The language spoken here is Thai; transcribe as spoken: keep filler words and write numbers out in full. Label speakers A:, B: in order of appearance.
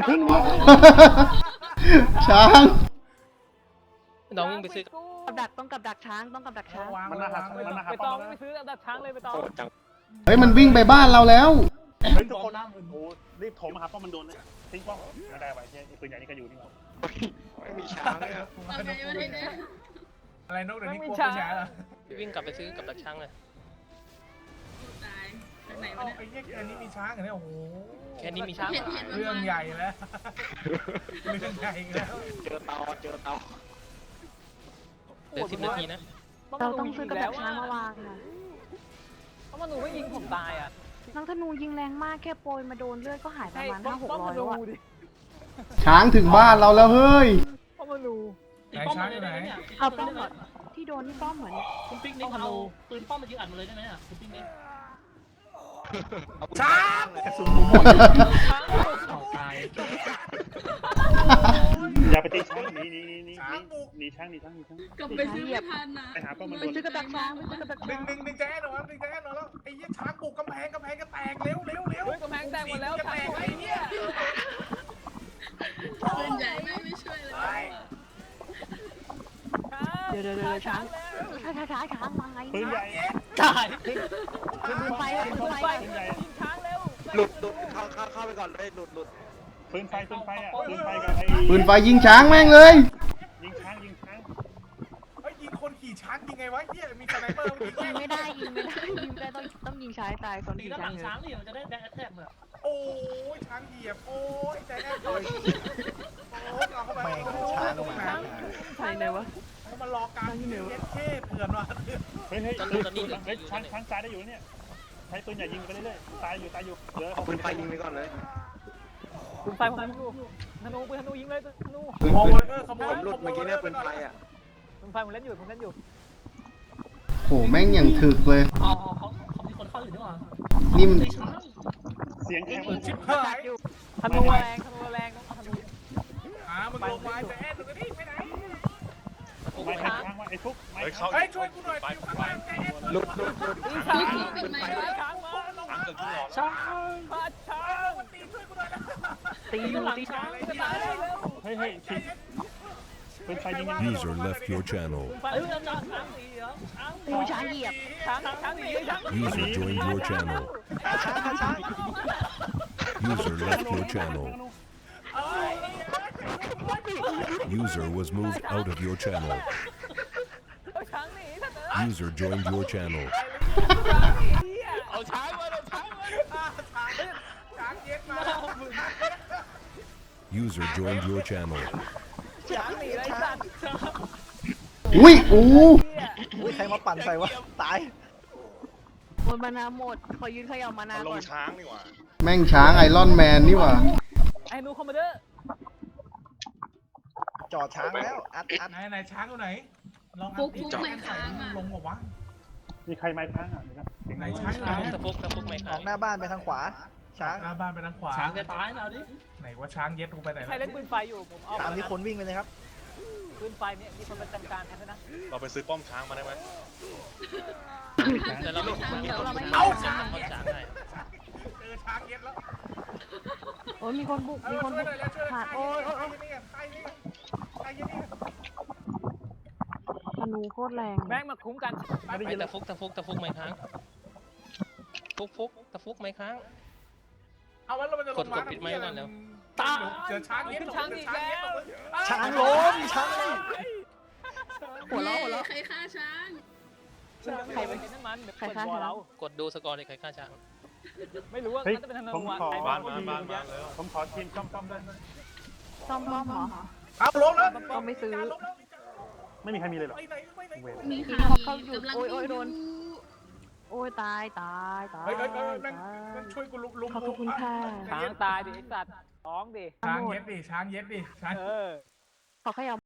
A: พึ่งช้าง
B: น้องวิ่งไปซื้อ
C: กับดักต้องกับดักช้างต้องกับดักช้าง
D: มันมาหามันมาหา
E: ไป
D: ป้
E: ต
D: อ
E: อง
D: ม
E: ไปซื้อดักช้างเลยไปตอง
B: โหดจัง
A: เฮ้ยมันวิ่งไปบ้านเราแล้ว
D: เฮ้ยทุกคนโอ้รีบโถมมาหาป้อมมันโดนเลยทิ้งป้อมไม่ได้ไว้ใช่ปืนใหญ่นี่ก็อยู่นี่หว่า
B: ไม่มีช้างเลยครับ
D: อะไรนกเดี๋ยวนี้กลัวปืนใหญ่เหรอ
B: วิ่งกลับไปซื้อกับดักช้างเลย
F: ตายจากไหน
D: เอา
F: วะ
D: ไอ้
F: เนี่ย
D: เนี้ยอันนี้มีช้างเหรอเนี่ยโอ้โห
B: แค่นี้มีช้าง
F: เห็นเห็น
D: เรื่องใหญ่แล้วเรื่องใหญ่แล้ว
B: เจอเตาเจอเตาเหลือสิบนาทีนะ
C: เราต้องซื้อกับดักช้างมาวางค่ะ
E: เพราะมันหนูไม่ยิงผมตายอ่ะ
C: น้องธนูยิงแรงมากแค่โปรยมาโดนเลือดก็หายประมาณห้าหก
E: ป้อม
C: ร้อ
E: มาย ดู
C: แล้วอะ
E: ดิ
A: ช้างถึงบ้านเราแล้วเฮ้ย
E: ป้อมมาดู
D: ไหนช้างอยู่ไหน
C: เอาป้อมก่อนที่โดนนี่ป้อมเหมือน
G: คุณปิ๊กนิกเอาปืนป้อมมายิงอัดมาเลยได้ไหมอ่ะคุณปิ๊กนิก
D: ช้างกระสุนหมดตายอย่าไปตีช้างหนีหนีหนีหนีหนีช้างหนีช้างหนีช้าง
F: กลับไปซื้อไม่ทันนะ
D: ไปหาป้อมมัน
C: ไป
D: โดน
C: ซื้อกับดักช้างไปซื้อกับดัก
D: ดึ
C: ช้าง ง
D: ดึงดึงแจ๊ดหน่อยดึงแจ๊ดหน่อยแล้วไอ้ยี่ช้างบุกกำแพงกำแพงก็แตกเร็วเร็วเร็ว
E: เฮ้ยกำแพงแตกหมดแล้ว
D: จะแตกไอ้เนี่ย
F: ปืนใหญ่ไม่ไม่ช่วยเลย
C: เดี๋ยวเดี๋ยวเดี๋ยวช้างช้างช้างช้างช้างมาไง
D: ปืนใหญ่
G: ตาย
D: ขึ้น
C: ปืนไฟปืนไฟ
D: ปืนใหญ่
E: ยิงช้างเร็ว
B: หลุดหลุดเข้าเข้าเข้าไปก่อนเลยหลุดหลุด
D: ปืนไฟปืนไฟอ่ะปืนไฟกับไอ้
A: ปืนไฟยิงช้างแม่งเลย
D: ยิงช้างยิงช้างเฮ้ยยิงคนขี่ช้างยิงไงวะเฮียมีสไนเปอร์ยิง
C: ยิงไม่ได้ยิงไม่ได้ยิงไม่ได้ต้องต้องยิงช้างตายคน
G: ตี
C: ที่
G: ด้านห
C: ช้า
G: ลั
C: ง
G: ง
C: เย
G: ช้าง
C: อะ
G: ดิมันจะได้แดกแท็กเหรอ
D: โอ้ยช้างเหยียบโอ้ยใจแน่นโอ้ยเอาเข้าไปช้างมา
C: ใช่เลยวะ
D: เขามารอการเย็ดเท่เถื่อนว่ะเฮ้ยเฮ้ยเฮ้ยช้างช้างตายได้อยู่เนี่ยใช้ปืนใหญ่ยิงไปเรื่อยๆตายอยู่ตายอยู่เหลือ
B: ปืนไฟยิงไปก่อนเลย
E: ปืนไฟผมดูธนูปืนธนูยิงเลยธนู
D: ขโมยเออขโม
B: ผ
D: ย
B: มหลุดเมื่อกี้เนี่ยปืนไฟอ่ะ
E: ปืนไฟผมเล่นอยู่ผมเล่นอยู่
A: โหแม่งอย่างถึกเลย
G: อ๋อเขาเขามีคนเข้าอยู่ด้วยว่ะ
A: นี่มัน
G: ตีช้าง
D: เสียงแข็งชิบ
C: กับ
D: หา
C: ดั
D: ย
C: กอยู่
E: ธนูแรงธนูแรงต้องธนู
D: อ่ามึงลงมาจะแอนดูกันดิไปไหน
G: โอ้
D: ไม่
G: ย
D: ให้ช้างว่าไอ้ฟุกไม่เฮ้ยช่วยกูหน่อยฟิวข้างล่างใจแอน
B: หลุดหลุดหลุด
E: ช้าง
F: ลูกเป็นไหม
E: ช้างมาช้างมาช้าง
D: ตีช่วยกูหน่อยนะ
C: ตีอยู่ตี
E: ช้างจะตายแล้ว
D: เฮ้ยเฮ้ยปืนไฟยิง
H: User left your channel.
E: ปืนไฟเอ้ยช้างช้างตีเหรอช้าง
C: ตีช้างเหยียบ
E: ช้างช้างหนีช้าง
H: User joined your channel. User left your channel. User was moved out of your channel.
E: ช้างหนีท่านเอ
H: User joined your channel.
E: เอาช้างมาเอาช้างมา
D: ช้างเย็ดมา
H: User joined your channel.
E: ช้างหนีไรสัตว์
A: อุ้ยอู้
E: ใครมาปั่นใส่วะตาย
C: หมดมานาหมดขอยืนเขย่ามานาก่อน
A: แม่งช้างไอรอนแมนนี่หว่า
E: ไอ้นูคอมมานเดอร์
I: จอดช้างแล้วอัดอัด
D: ไหนไหนช้างอยู่ไหนลองอั
F: ฟุ
D: ด
F: กฟุกไม่ค้างอ่ะ
D: ลงบอกว่ามีใครไม้ช้างอ่ะไหนช้าง
B: ช้างตะฟุกตะฟุกไหมค
I: อ
B: รั
I: อบ กหน้าบ้านไปทางขวา ช้าง
D: หน้าบ้านไปทางขวา
G: ช้างจะตายแล้วดิ
D: ไหนว่าช้างเย็ดกูไปไหน
E: ใครเล่นปืนไฟอยู่ผมเอา
I: ตามที่คนวิ่งไปเลยครับ
E: ปืนไฟเนี่ยมีคนประจำการแทนด้วยนะ
J: เราไปซื้อป้อมช้างมาได้ไหม
B: แต่เราไม่
F: ช้าง
B: มี
F: เดี๋ยว
B: คน
F: เราไม่
B: เอาช้างคนช้างให้
D: เจอช้างเย็ดแล้ว
C: โอ้ยมีคนบุกมีคนบุกผ่านโอ้ยโอ้ยโอ้ย
D: ใครนี่ใครนี่
C: ธนูโคตรแรง
E: แม่งมาคุ้มกัน
B: ไอ้ตะฟุกตะฟุกตะฟุกไหมครั้งฟุกฟุกตะฟุกไหมครั้ง
D: เอาไว้เราจะลงมา
E: ตา
D: เจอช้างเย็ด
E: ช้างอีกแล้ว
I: ช้างล้มช้าง
C: หัวเราะหัวเราะ
F: ใครฆ่าช้าง
E: ใครไปกินน้ำมันเดี๋ยวเปิดบ่อเรา
B: กดดูสกอร์ในใครฆ่าช้าง
E: ไม่รู้ว่า
D: เฮ้ย
E: น่าจะเป็นธนู
D: ผม
E: อ่ะ
D: ขอ
E: ไอ้
J: บ้า
E: บ้าน น
J: มาบ้านมาแล้ว
D: ผมขอทีมซ่อมๆด้วย
C: ซ่อมป้อมเหรอ
D: เอาล้มแล้ว
C: ต้องไม่ซื้อ
D: ไม่มีใครมีเลยหรอ
F: มี
C: มี
F: ค่ะ
C: เขา
F: มี
C: เข้าอยู่
F: กำลัง
C: โอ้ยโอ้ยโดน
F: ดู
C: โอ้ยตายตายตาย
D: เฮ้ยเฮ้ยเฮ้ยแม่ง
C: ตาย
D: แม่งช่วยกูลุมลุม
C: ขอบคุณค่ะ
E: ช้างตายดิไอ้สัตว์ท้องดิ
D: ช้างเย็ดดิช้างเย็ดดิช้าง
E: เออ
C: ขอขยับ